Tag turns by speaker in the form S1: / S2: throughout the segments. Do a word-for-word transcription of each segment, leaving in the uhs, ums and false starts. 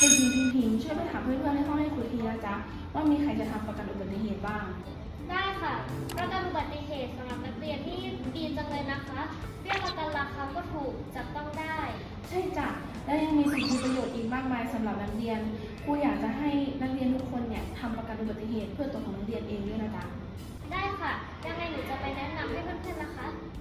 S1: เด็กหญิงพิงพิงช่วยไปถามเพื่อนๆในห้องให้ครูทีนะจ๊ะว่ามีใครจะทำประกันอุบัติเหตุบ้าง
S2: ได้ค่ะประกันอุบัติเหตุสำหรับนักเรียนนี่ดีจังเลยนะคะเบี้ยประกันราคาก็ถูกจับต้องได้
S1: ใช่จ้ะและยังมีสิทธิประโยชน์อีกมากมายสำหรับนักเรียนครูอยากจะให้นักเรียนทุกคนเนี่ยทำประกันอุบัติเหตุเพื่อตัวของนักเรียนเองด้วยนะจ๊ะ
S2: ได้ค่ะยังไงหนูจะไปแนะนำให้เพื่อนๆนะคะ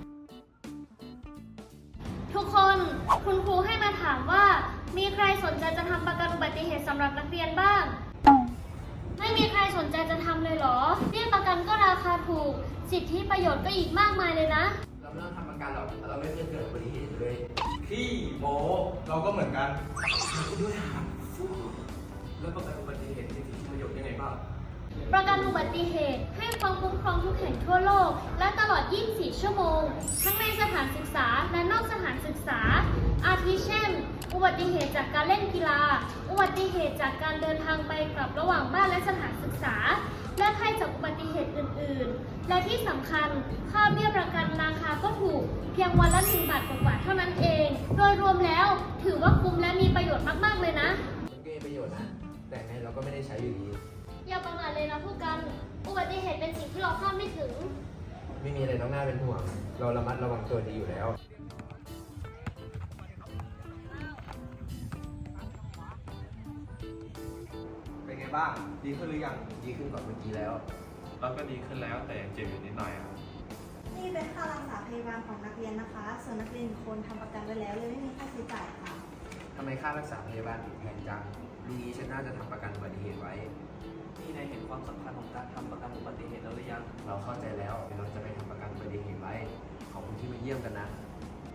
S2: ทุกคนคุณครูให้มาถามว่ามีใครสนใจจะทำประกันอุบัติเหตุสำหรับนักเรียนบ้างไม่มีใครสนใจจะทำเลยเหรอเบี้ยประกันก็ราคาถูกสิทธิประโยชน์ก็อีกมากมายเลยนะ
S3: เราไม่ต้องทำประกันหรอกเราไม่เคยเกิดอุบัติเหตุเลย
S4: ขี้โมเราก็เหมือนกันด้วยครับแล้วประกันอุบัติเหตุมีสิทธิประโยชน์ยังไงบ้าง
S2: ประกันอุบัติเหตุให้ความคุ้มครองทุกแห่งทั่วโลกและตลอดยี่สิบสี่ชั่วโมงทั้งในสถานศึกษาและนอกสถานศึกษาอาทิเช่นอุบัติเหตุจากการเล่นกีฬาอุบัติเหตุจากการเดินทางไปกลับระหว่างบ้านและสถานศึกษาและภัยจากอุบัติเหตุอื่นๆและที่สำคัญค่าเบี้ยประกันราคาก็ถูกเพียงวันละหนึ่งบาทกว่าๆเท่านั้นเองโดยรวมแล้วถือว่าคุ้มและมีประโยชน์มากๆเลยนะ
S3: มันก็มีประโยชน์นะแต่ไงเราก็ไม่ได้ใช้อยู่ดี
S2: อย่าประมาทเลยนะผู้กันอุบัติเหตุเป็นสิ่งที่เราคาดไม่ถึง
S3: ไม่มีอะไรต้องน่าเป็นห่วงเราระมัดระวังตัวดีอยู่แล้ว
S4: เป็นไงบ้างดีขึ้นหรือยัง
S3: ดีขึ้นกว่าเมื่อกี้แล้ว
S4: เราก็ดีขึ้นแล้วแต่ยังเจ็บอยู่นิดหน่อยครับ
S5: นี่เป็นค่ารักษาพยาบาลของนักเรียนนะคะส่วนนักเรียนคนทำประกันไว้แล้วเลยไม่มีค่าใช้จ่ายค่ะ
S3: ทำไมค่ารักษาพยาบาลถึงแพงจังดีนี้ฉันน่าจะทำประกันอุบัติเหตุไว้
S6: นี่นายเห็นความสำคัญของการทำประกันอุบัติเหตุแล้วหรือยัง
S3: เราเข้าใจแล้วเราจะไปทำประกันอุบัติเหตุไว้ขอบคุณที่มาเยี่ยมกันนะ